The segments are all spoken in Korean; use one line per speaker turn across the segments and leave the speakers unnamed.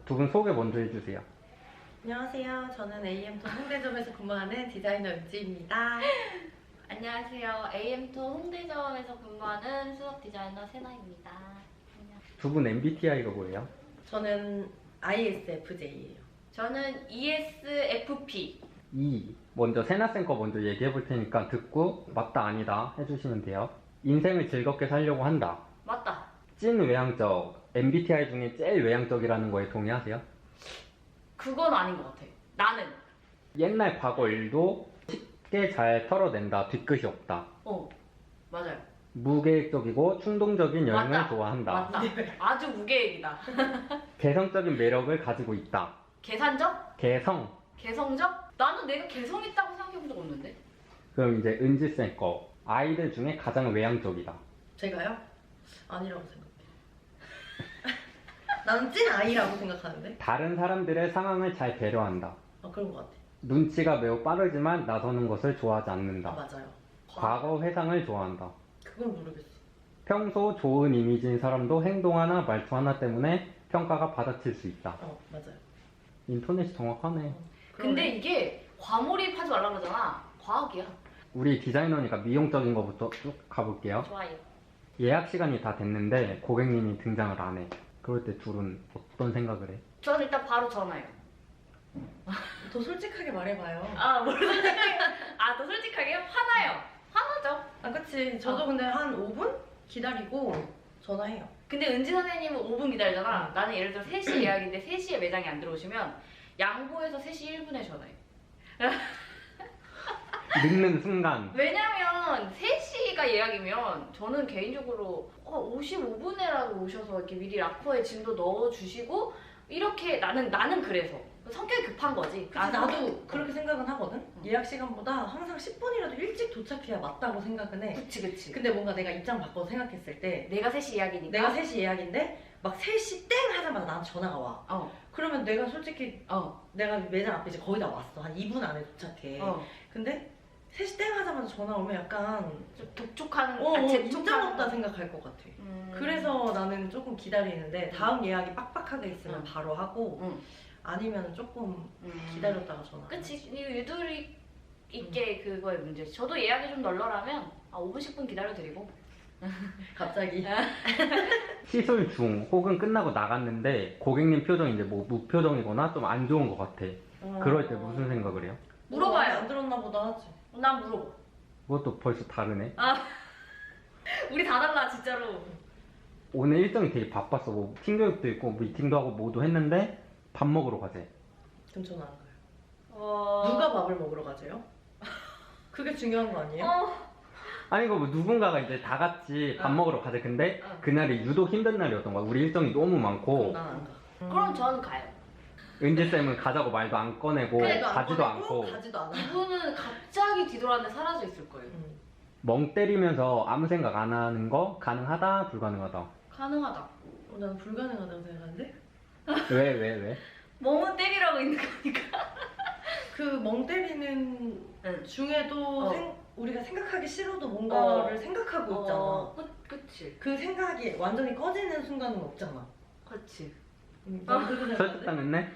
두 분 소개 먼저 해주세요.
안녕하세요. 저는 AM톤 홍대점에서 근무하는 디자이너 은지입니다.
안녕하세요. AM톤 홍대점에서 근무하는 수석 디자이너 세나입니다.
두 분 MBTI가 뭐예요?
저는 ISFJ예요.
저는 ESFP.
먼저 세나쌤 거 먼저 얘기해 볼 테니까 듣고 맞다 아니다 해주시면 돼요. 인생을 즐겁게 살려고 한다.
맞다.
찐 외향적, MBTI 중에 제일 외향적이라는 거에 동의하세요?
그건 아닌 것 같아. 나는.
옛날 과거 일도 쉽게 잘 털어낸다. 뒤끝이 없다.
맞아요.
무계획적이고 충동적인 여행을
맞다.
좋아한다.
맞다. 아주 무계획이다.
개성적인 매력을 가지고 있다.
계산적?
개성.
개성적? 나는 내가 개성 있다고 생각해 본 적 없는데.
그럼 이제 은지쌤 거. 아이들 중에 가장 외향적이다.
제가요? 아니라고 생각해요. 나는 찐 I라고 생각하는데?
다른 사람들의 상황을 잘 배려한다.
그런 것 같아.
눈치가 매우 빠르지만 나서는 것을 좋아하지 않는다.
맞아요.
과거 회상을 좋아한다.
그건 모르겠어.
평소 좋은 이미지인 사람도 행동 하나 말투 하나 때문에 평가가 받아칠 수 있다.
맞아요.
인터넷이 정확하네.
근데 이게 과몰입하지 말라 그러잖아. 과학이야.
우리 디자이너니까 미용적인 거부터 쭉 가볼게요.
좋아요.
예약 시간이 다 됐는데 고객님이 등장을 안 해. 그럴 때 둘은 어떤 생각을 해?
저는 일단 바로 전화해요.
더 솔직하게 말해봐요.
뭘 솔직하게. 더 솔직하게 화나요. 화나죠.
그치. 저도 근데 한 5분 기다리고 전화해요.
근데 은지 선생님은 5분 기다리잖아. 나는 예를 들어 3시 예약인데 3시에 매장에 안 들어오시면 양보해서 3시 1분에 전화해.
늦는 순간
왜냐면 3시가 예약이면 저는 개인적으로 55분에라도 오셔서 이렇게 미리 락커에 짐도 넣어주시고 이렇게 나는 그래서 성격이 급한 거지.
나도 그렇게 생각은 하거든? 예약 시간보다 항상 10분이라도 일찍 도착해야 맞다고 생각은 해.
그치.
근데 뭔가 내가 입장 바꿔서 생각했을 때
내가 3시 예약이니까.
내가 3시 예약인데 막 3시 땡 하자마자 나한테 전화가 와. 그러면 내가 솔직히 내가 매장 앞에 이제 거의 다 왔어. 한 2분 안에 도착해. 근데 3시 땡 하자마자 전화 오면 약간
좀 독촉하는
인정 없다 생각할 것 같아. 그래서 나는 조금 기다리는데 다음 예약이 빡빡하게 있으면 바로 하고 아니면 조금 기다렸다가 전화.
그치. 유도리 있게 그거의 문제지. 저도 예약이 좀 널널하면 5분 10분 기다려드리고.
갑자기
시술 중 혹은 끝나고 나갔는데 고객님 표정이 이제 뭐 무표정이거나 좀 안 좋은 것 같아. 그럴 때 무슨 생각을 해요?
물어봐요.
안 들었나 보다 하지.
난 물어봐.
그것도 벌써 다르네.
우리 다 달라 진짜로.
오늘 일정이 되게 바빴어. 뭐 팀교육도 있고 미팅도 하고 뭐도 했는데 밥 먹으러 가재.
그럼 저는 안 가요. 누가 밥을 먹으러 가세요? 그게 중요한 거 아니에요?
아니 이거 뭐 누군가가 이제 다 같이 밥 먹으러 가재. 근데 그날이 유독 힘든 날이었던 거야. 우리 일정이 너무 많고.
그럼 난 안 가.
그럼 저는 가요.
은지쌤은 가자고 말도 안 꺼내고 가지도 않고
가지도 않아.
이분은 갑자기 뒤돌아는데 사라져 있을 거예요.
멍 때리면서 아무 생각 안 하는 거 가능하다 불가능하다.
가능하다.
난 불가능하다고 생각하는데?
왜?
멍은 때리라고 있는 거니까.
그 멍 때리는 중에도 우리가 생각하기 싫어도 뭔가를 생각하고 있잖아.
그치.
그 생각이 완전히 꺼지는 순간은 없잖아.
그치.
난 그렇게 생각하는데?
설득당했네?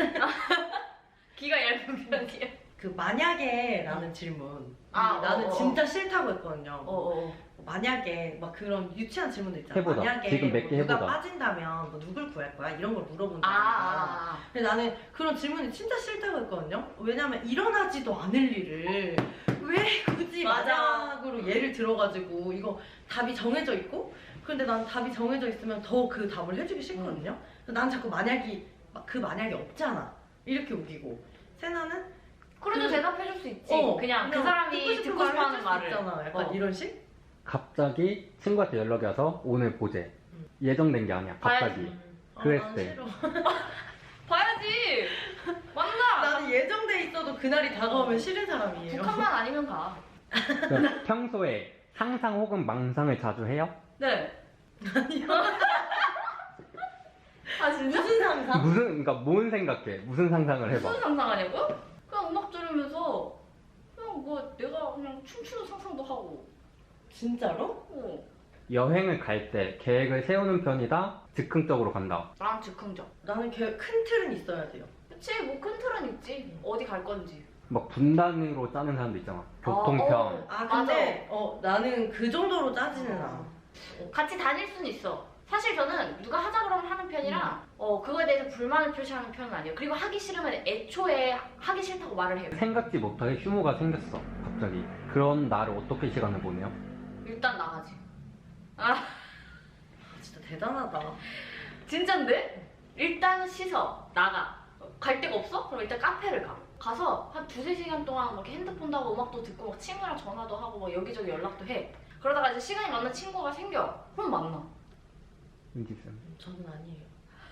귀가 얇은 편이야.
그 만약에 라는 질문.
아,
나는 진짜 싫다고 했거든요.
어.
만약에 막 그런 유치한 질문도 있잖아.
해보자.
만약에
지금 몇 개
누가
해보자.
빠진다면 뭐 누굴 구할 거야? 이런 걸 물어본다. 근데 나는 그런 질문이 진짜 싫다고 했거든요. 왜냐면 일어나지도 않을 일을 왜 굳이 만약으로 예를 들어가지고 이거 답이 정해져 있고 근데 난 답이 정해져 있으면 더 그 답을 해주기 싫거든요. 난 자꾸 만약이 그 만약이 없잖아. 이렇게 우기고 세나는
그래도 대답해줄 수 있지. 그냥 그
듣고
사람이
싶은
듣고 싶어하는
해줄 수
말을.
있잖아. 약간 이런 식?
갑자기 친구한테 연락이 와서 오늘 보재. 예정된 게 아니야. 갑자기. 그랬을
난
때.
싫어.
봐야지. 맞나?
나는 예정돼 있어도 그날이 다가오면 싫은 사람이에요.
북한만 아니면 가.
그럼 평소에 상상 혹은 망상을 자주 해요?
네.
아니요.
진짜?
무슨 상상?
그러니까 뭔 생각해? 무슨 상상을 해봐.
무슨 상상하냐고요? 그냥 음악 들으면서 그냥 뭐 내가 그냥 춤추는 상상도 하고.
진짜로?
여행을 갈 때 계획을 세우는 편이다? 즉흥적으로 간다?
나랑 즉흥적.
나는 큰 틀은 있어야 돼요.
그치, 뭐 큰 틀은 있지. 어디 갈 건지.
막 분단으로 짜는 사람도 있잖아. 교통편.
아 근데 나는 그 정도로 짜지는
어.
않아.
같이 다닐 수는 있어. 사실 저는 누가 하자 그러면 하는 편이라 그거에 대해서 불만을 표시하는 편은 아니에요. 그리고 하기 싫으면 애초에 하기 싫다고 말을 해요.
생각지 못하게 휴무가 생겼어. 갑자기. 그런 나를 어떻게 시간을 보내요?
일단 나가지.
진짜 대단하다.
진짠데? 일단 씻어. 나가. 갈 데가 없어? 그럼 일단 카페를 가. 가서 한 2-3시간 동안 막 이렇게 핸드폰도 하고 음악도 듣고 막 친구랑 전화도 하고 막 여기저기 연락도 해. 그러다가 이제 시간이 맞는 친구가 생겨. 그럼 만나.
은지쌤.
저는 아니에요.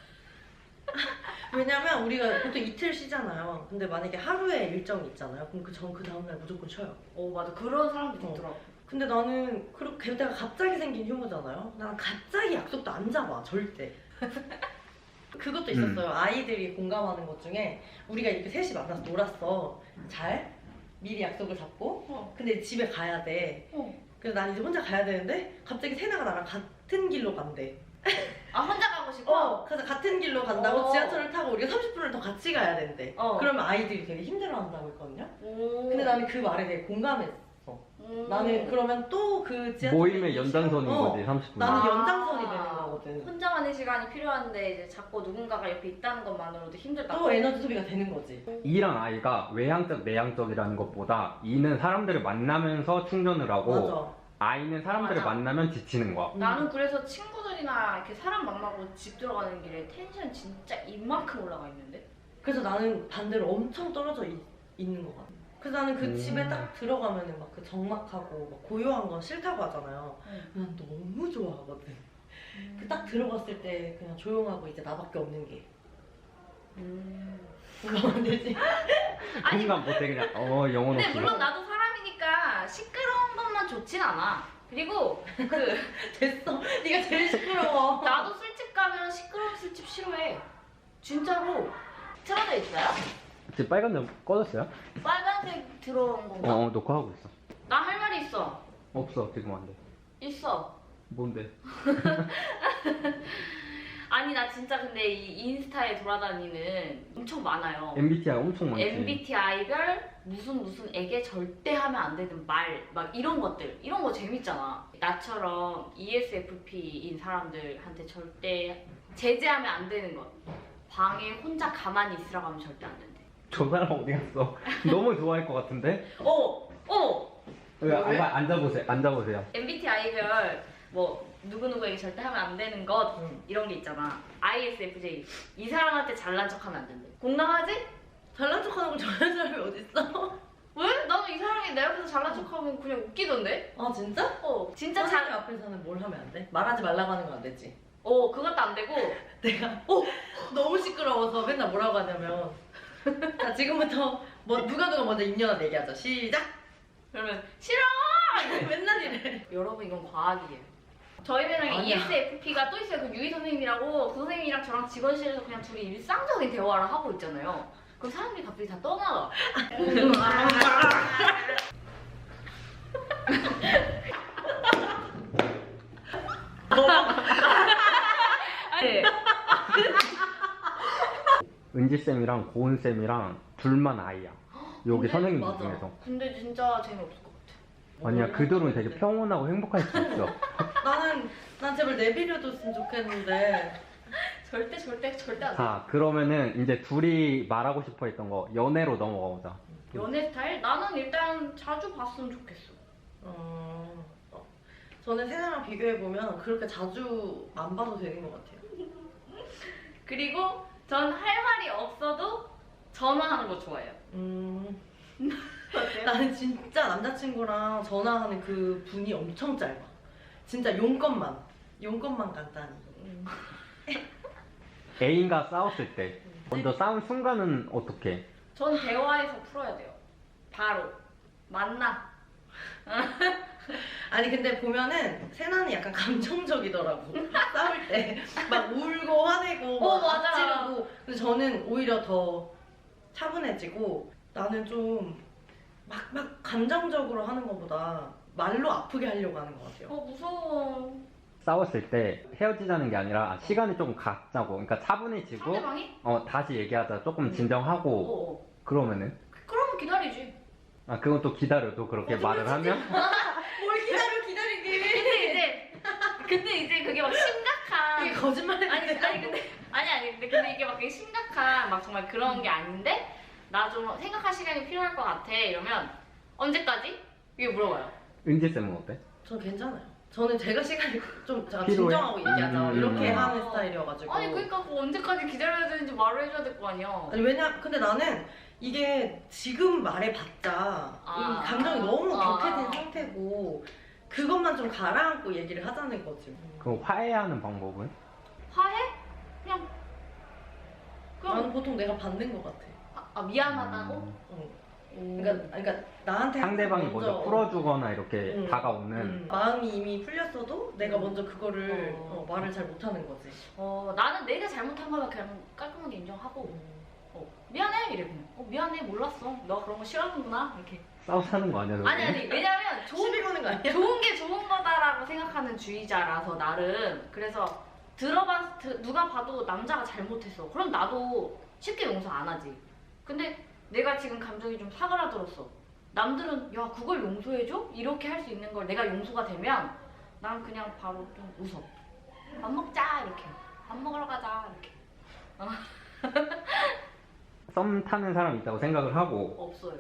왜냐면 우리가 보통 이틀 쉬잖아요. 근데 만약에 하루에 일정이 있잖아요. 그럼 그 다음날 무조건 쉬어요.
맞아. 그런 사람들이 있더라고.
근데 나는 그렇게 게다가 갑자기 생긴 휴무잖아요. 나는 갑자기 약속도 안 잡아 절대. 그것도 있었어요. 아이들이 공감하는 것 중에 우리가 이렇게 셋이 만나서 놀았어. 미리 약속을 잡고 근데 집에 가야 돼. 그래서 난 이제 혼자 가야 되는데 갑자기 세나가 나랑 같은 길로 간대.
혼자 가고 싶어?
그래서 같은 길로 간다고 지하철을 타고 우리가 30분을 더 같이 가야 된대. 그러면 아이들이 되게 힘들어한다고 했거든요. 근데 나는 그 말에 되게 공감했어. 나는 그러면 또 그 지하철
모임의 연장선인 거지, 30분.
나는 연장선이 되는 거거든.
혼자만의 시간이 필요한데 이제 자꾸 누군가가 옆에 있다는 것만으로도 힘들다.
또 에너지 소비가 되는 거지.
이랑 아이가 외향적, 내향적이라는 것보다 이는 사람들을 만나면서 충전을 하고
맞아.
아이는 사람들을
맞아.
만나면 지치는 거야.
나는 그래서 친구들이나 이렇게 사람 만나고 집 들어가는 길에 텐션 진짜 이만큼 올라가 있는데?
그래서 나는 반대로 엄청 떨어져 있는 것 같아. 그래서 나는 그 집에 딱 들어가면은 막 그 적막하고 막 고요한 건 싫다고 하잖아요. 난 너무 좋아하거든. 그 딱 들어갔을 때 그냥 조용하고 이제 나밖에 없는 게. 공감안 되지?
아니,
공감 못해 그냥 영혼
근데
없이.
물론 나도 사람이니까 시끄러운 것만 좋진 않아. 그리고
됐어. 네가 제일 시끄러워.
나도 술집 가면 시끄러운 술집 싫어해. 진짜로. 틀어져 있어요?
지금 빨간 점 꺼졌어요?
빨간색 들어온 건가?
녹화하고 있어.
나 할 말이 있어.
없어, 지금 안 돼.
있어.
뭔데?
아니 나 진짜 근데 이 인스타에 돌아다니는 엄청 많아요.
MBTI 엄청 많지.
MBTI별 무슨에게 절대 하면 안 되는 말 막 이런 것들 이런 거 재밌잖아. 나처럼 ESFP인 사람들한테 절대 제재하면 안 되는 것. 방에 혼자 가만히 있으라고 하면 절대 안 된대.
저 사람 어디 갔어? 너무 좋아할 것 같은데?
왜?
앉아보세요. 앉아보세요.
MBTI별 뭐 누구누구에게 절대 하면 안 되는 것 이런 게 있잖아. ISFJ 이 사람한테 잘난 척하면 안 된대. 공감하지?
잘난 척하는 걸 좋아하는 사람이 어딨어?
왜? 나는 이 사람이 내 앞에서 잘난 척하면 그냥 웃기던데?
아 진짜?
진짜
사람이 앞에서는 뭘 하면 안 돼? 말하지 말라고 하는 건 안 되지.
그것도 안 되고
내가 너무 시끄러워서 맨날 뭐라고 하냐면 자 지금부터 누가 먼저 인연한 얘기하자. 시작!
그러면 싫어!
맨날 이래.
여러분 이건 과학이에요. 저희 배낭에
아니야.
ESFP가 또 있어요. 그 유희 선생님이라고 그 선생님이랑 저랑 직원실에서 그냥 둘이 일상적인 대화를 하고 있잖아요. 그럼 사람들이 갑자기 다 떠나가. 네.
은지쌤이랑 고은쌤이랑 둘만 아이야. 여기
근데
선생님들
맞아.
중에서.
근데 진짜 재미없을 것 같아.
아니야, 그들은 되게 평온하고 행복할 수 있어.
난 제발 내비려줬으면 좋겠는데.
절대 안 돼.
자, 그러면은 이제 둘이 말하고 싶어 했던 거 연애로 넘어가 보자.
연애 스타일? 나는 일단 자주 봤으면 좋겠어.
저는 세상랑 비교해보면 그렇게 자주 안 봐도 되는 것 같아요.
그리고 전 할 말이 없어도 전화하는 거 좋아해요. 어때요?
나는 진짜 남자친구랑 전화하는 그 분이 엄청 짧아. 진짜 용건만 간단히.
애인과 싸웠을 때 먼저 싸운 순간은 어떻게?
전 대화에서 풀어야 돼요. 바로 만나.
아니 근데 보면은 세나는 약간 감정적이더라고. 싸울 때 막 울고 화내고 막
맞아.
찌르고. 근데 저는 오히려 더 차분해지고 나는 좀 막 감정적으로 하는 것보다 말로 아프게 하려고 하는 것 같아요.
무서워.
싸웠을 때 헤어지자는 게 아니라 시간을 조금 갖자고, 그러니까 차분해지고
상대방이?
다시 얘기하자, 조금 진정하고 그러면은
그러면 기다리지.
그건 또 기다려도 그렇게 말을 하면
뭘 기다리게.
근데 이제 그게 막 심각한.
이게 거짓말이
근데 이게 막 되게 심각한 막 정말 그런 게 아닌데 나 좀 생각할 시간이 필요할 것 같아 이러면 언제까지? 이게 물어봐요.
은지쌤은 어때?
저 괜찮아요. 저는 제가 시간이 좀
필요해?
진정하고 얘기하자 이렇게
음.
하는 스타일이어가지고.
아니 그러니까 그거 언제까지 기다려야 되는지 말을 해줘야 될 거 아니야.
아니 근데 나는 이게 지금 말해봤자 이 감정이 너무 격해진 상태고 그것만 좀 가라앉고 얘기를 하자는 거지.
그럼 화해하는 방법은?
화해? 그냥
나는 보통 내가 받는 것 같아.
미안하다고?
그러니까 나한테
상대방이 먼저 풀어주거나 이렇게 다가오는.
마음이 이미 풀렸어도 내가 먼저 그거를 말을 잘 못하는 거지.
나는 내가 잘못한 거면 그냥 깔끔하게 인정하고 미안해 이래 그냥 미안해 몰랐어 너 그런 거 싫어하는구나 이렇게.
싸우자는 거 아니야? 저거?
아니 왜냐면
시비 거는 거 아니야?
좋은 게 좋은 거다라고 생각하는 주의자라서 나름. 그래서 누가 봐도 남자가 잘못했어 그럼 나도 쉽게 용서 안 하지. 근데 내가 지금 감정이 좀 사그라들었어. 남들은 야 그걸 용서해줘? 이렇게 할 수 있는 걸 내가 용서가 되면 난 그냥 바로 좀 웃어. 밥 먹자 이렇게. 밥 먹으러 가자 이렇게.
썸 타는 사람 있다고 생각을 하고
없어요.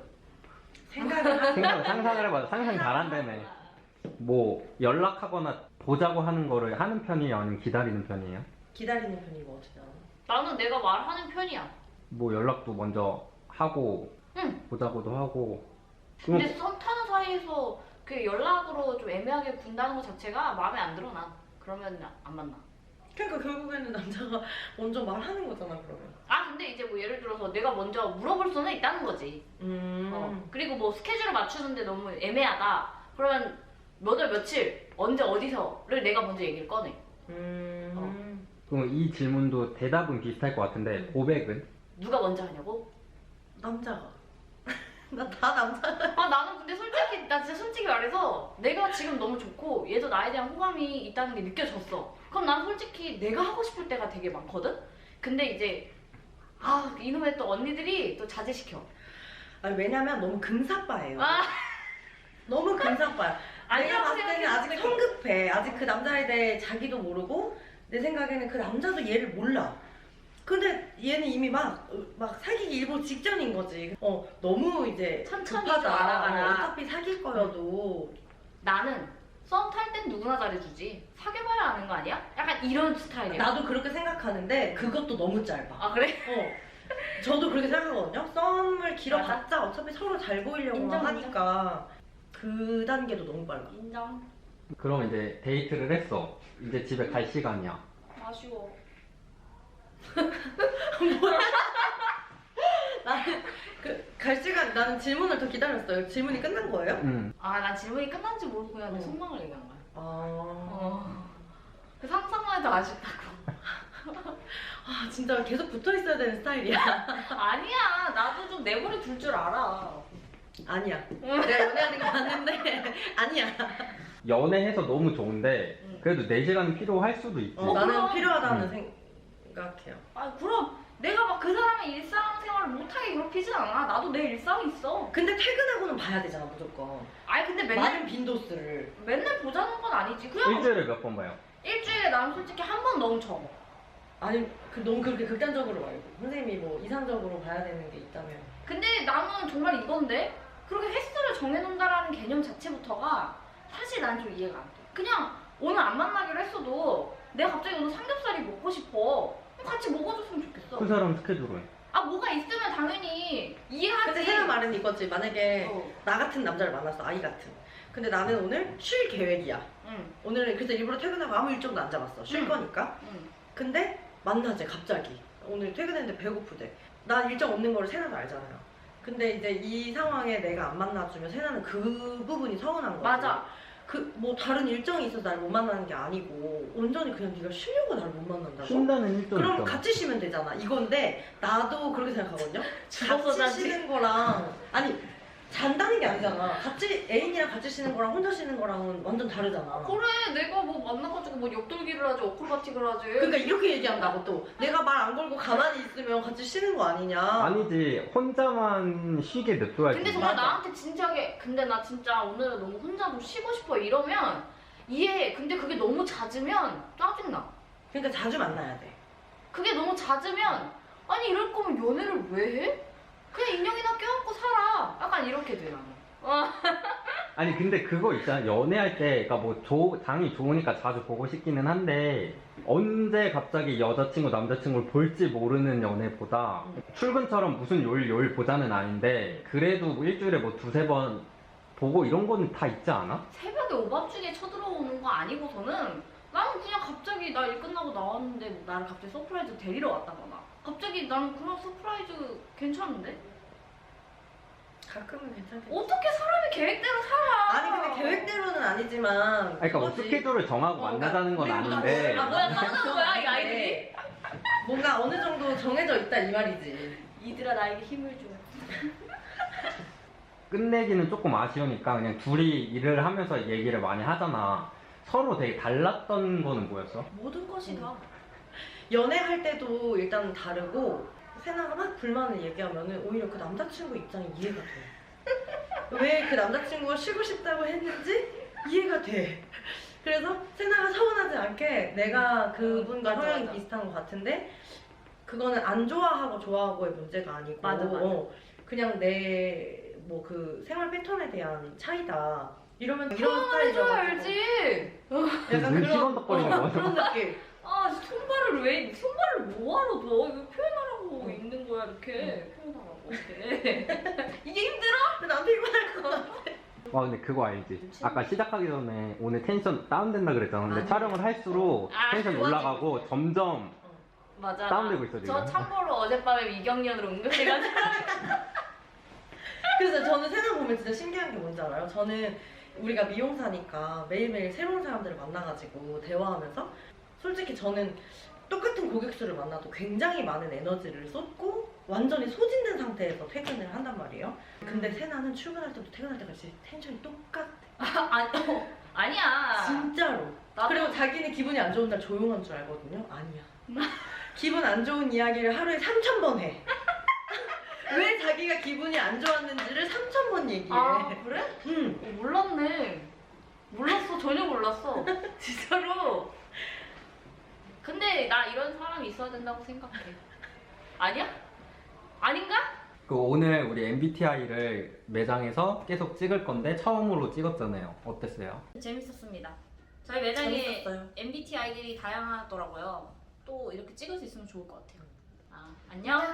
상상을 해봐. 상상 잘한다네. 뭐 연락하거나 보자고 하는 거를 하는 편이에요? 아니면 기다리는 편이에요?
기다리는 편이고 어떻게 알아?
나는 내가 말하는 편이야.
뭐 연락도 먼저 하고
응.
보자고도 하고.
근데 썸 타는 사이에서 그 연락으로 좀 애매하게 군다는 것 자체가 마음에 안 들어 나. 그러면 안 만나.
그러니까 결국에는 남자가 먼저 말하는 거잖아 그러면.
근데 이제 뭐 예를 들어서 내가 먼저 물어볼 수는 있다는 거지. 그리고 뭐 스케줄을 맞추는데 너무 애매하다. 그러면 몇 월 며칠 언제 어디서를 내가 먼저 얘기를 꺼내.
그럼 이 질문도 대답은 비슷할 것 같은데 고백은?
누가 먼저 하냐고?
남자가. 나 다 남자가.
나는 근데 나 진짜 솔직히 말해서 내가 지금 너무 좋고 얘도 나에 대한 호감이 있다는 게 느껴졌어. 그럼 난 솔직히 내가 하고 싶을 때가 되게 많거든? 근데 이제 이놈의 또 언니들이 또 자제시켜.
아니 왜냐면 너무 금사빠예요.
아.
너무 금사빠야. 내가
아니라고
봤을 때는 아직
생각했는데.
성급해. 아직 그 남자에 대해 자기도 모르고 내 생각에는 그 남자도 얘를 몰라. 근데 얘는 이미 막 사귀기 일보 직전인 거지. 너무 이제
천천히
급하다.
좀 알아가라.
어차피 사귈 거여도.
나는 썸 탈 땐 누구나 잘해주지. 사귀어봐야 아는 거 아니야? 약간 이런 스타일이야.
나도 그렇게 생각하는데 그것도 너무 짧아.
그래?
저도 그렇게 생각하거든요. 썸을 길어봤자 어차피 서로 잘 보이려고
인정,
하니까 그 단계도 너무 빨라.
인정.
그럼 이제 데이트를 했어. 이제 집에 갈 시간이야.
아쉬워.
나는 갈 시간 나는 질문을 더 기다렸어요. 질문이 끝난 거예요?
난 질문이 끝난지 모르고 그냥 내 속마음을 얘기한 거야. 그 상상만 해도 아쉽다고.
진짜 계속 붙어 있어야 되는 스타일이야.
아니야, 나도 좀 내버려 둘 줄 알아.
아니야. 내가 연애하는 거 봤는데 아니야.
연애해서 너무 좋은데 그래도 내 시간이 필요할 수도 있지.
나는
그럼.
필요하다는 생각해요.
그럼 내가 막 그 사람의 일상생활을 못하게 괴롭히진 않아. 나도 내 일상이 있어.
근데 퇴근하고는 봐야 되잖아 무조건.
근데
많은 빈도수를.
맨날 보자는 건 아니지. 그냥
일주일에 몇 번 봐요?
일주일에 난 솔직히 한 번 너무 적어.
아니 너무 그렇게 극단적으로 말고 선생님이 뭐 이상적으로 봐야 되는 게 있다면.
근데 나는 정말 이건데 그렇게 횟수를 정해놓는다라는 개념 자체부터가 사실 난 좀 이해가 안 돼. 그냥 오늘 안 만나기로 했어도 내가 갑자기 오늘 삼겹살이 먹고 싶어. 그럼 같이 먹어줬으면 좋겠어.
그 사람 스케줄은?
뭐가 있으면 당연히 이해하지.
근데 생각 말은 이거지. 만약에
어.
나 같은 남자를 만났어. 아이 같은. 근데 나는 오늘 쉴 계획이야.
응.
오늘은 그래서 일부러 퇴근하고 아무 일정도 안 잡았어. 쉴
응.
거니까.
응.
근데 만나재 갑자기. 오늘 퇴근했는데 배고프대. 난 일정 없는 거를 세나도 알잖아요. 근데 이제 이 상황에 내가 안 만나주면 세나는 그 부분이 서운한 거지.
맞아.
뭐 다른 일정이 있어서 날 못 만나는 게 아니고 온전히 그냥 네가 쉬려고 날 못 만난다고?
쉰다는 일정
그럼
있잖아.
같이 쉬면 되잖아. 이건데 나도 그렇게 생각하거든요.
죽어서
같이
자지.
쉬는 거랑 아니 잔다는 게 아니잖아. 같이 애인이랑 같이 쉬는 거랑 혼자 쉬는 거랑은 완전 다르잖아.
그래 내가 뭐 만나가지고 뭐 역돌기를 하지 어크로바틱을 하지.
그러니까 이렇게 얘기한다고 또 내가 말 안 걸고 가만히 있으면 같이 쉬는 거 아니냐.
아니지, 혼자만 쉬게 냅둬야지.
근데 정말
맞아.
나한테 진지하게 근데 나 진짜 오늘은 너무 혼자 좀 쉬고 싶어 이러면 이해해. 근데 그게 너무 잦으면 짜증나.
그러니까 자주 만나야 돼.
그게 너무 잦으면 아니 이럴 거면 연애를 왜 해? 그냥 인형이나 껴안고 살아. 약간 이렇게 돼 나는.
아니 근데 그거 있잖아, 연애할 때 그러니까 뭐 장이 좋으니까 자주 보고 싶기는 한데 언제 갑자기 여자친구 남자친구를 볼지 모르는 연애보다 출근처럼 무슨 요일 보자는 아닌데 그래도 뭐 일주일에 뭐 두세 번 보고 이런 거는 다 있지 않아?
새벽에 오밤중에 쳐들어오는 거 아니고서는 나는 그냥 갑자기 나 일 끝나고 나왔는데 뭐 나를 갑자기 서프라이즈 데리러 왔다거나 갑자기 나는 그런 서프라이즈 괜찮은데?
가끔은 괜찮겠지.
어떻게 사람이 계획대로 살아?
아니 근데 계획대로는 아니지만.
아니, 그러니까 뭐
그거지.
스케줄을 정하고 만나자는 건
우리
아닌데
아 뭐야 떠나는 거야 이 아이들이?
뭔가 어느 정도 정해져 있다 이 말이지.
이들아 나에게 힘을 줘.
끝내기는 조금 아쉬우니까 그냥 둘이 일을 하면서 얘기를 많이 하잖아. 서로 되게 달랐던 거는 뭐였어?
모든 것이 다.
연애할 때도 일단 다르고 세나가 막 불만을 얘기하면은 오히려 그 남자친구 입장이 이해가 돼. 왜 그 남자친구가 쉬고 싶다고 했는지 이해가 돼. 그래서 세나가 서운하지 않게 내가 그분과
맞아,
성향이
맞아.
비슷한 것 같은데 그거는 안 좋아하고 좋아하고의 문제가 아니고
맞아.
그냥 내 뭐 그 생활 패턴에 대한 차이다. 이러면 이런
표현을
스타일이죠.
해줘야 알지.
약간
눈 시건덕거리는 거야.
그런 느낌.
아 손발을 뭐하러 둬? 이거 표현하라고 있는 거야 이렇게 표현하라고 이렇게. 이게 힘들어?
근데 난 피곤할 것 같아.
와 근데 그거 알지? 아까 시작하기 전에 오늘 텐션 다운된다 그랬잖아. 근데
아니.
촬영을 할수록
아,
텐션이
좋아지고
올라가고 점점
맞아.
다운되고 있어,
저
지금.
참고로 어젯밤에 미경련으로 응급해가지고.
그래서 저는 세상 보면 진짜 신기한 게 뭔지 알아요? 저는 우리가 미용사니까 매일매일 새로운 사람들을 만나가지고 대화하면서 솔직히 저는 똑같은 고객수를 만나도 굉장히 많은 에너지를 쏟고 완전히 소진된 상태에서 퇴근을 한단 말이에요. 근데 세나는 출근할 때부터 퇴근할 때까지 텐션이 똑같아.
아니야.
진짜로.
나도-
그리고 자기는 기분이 안 좋은 날 조용한 줄 알거든요. 아니야. 기분 안 좋은 이야기를 하루에 3,000번 해. 왜 자기가 기분이 안 좋았는지를 3,000번 얘기해.
아 그래?
응.
몰랐네. 몰랐어 전혀 몰랐어. 진짜로. 근데 나 이런 사람이 있어야 된다고 생각해. 아니야? 아닌가?
그 오늘 우리 MBTI를 매장에서 계속 찍을 건데 처음으로 찍었잖아요. 어땠어요?
재밌었습니다. 저희 매장에
재밌었어요.
MBTI들이 다양하더라고요. 또 이렇게 찍을 수 있으면 좋을 것 같아요. 아, 안녕.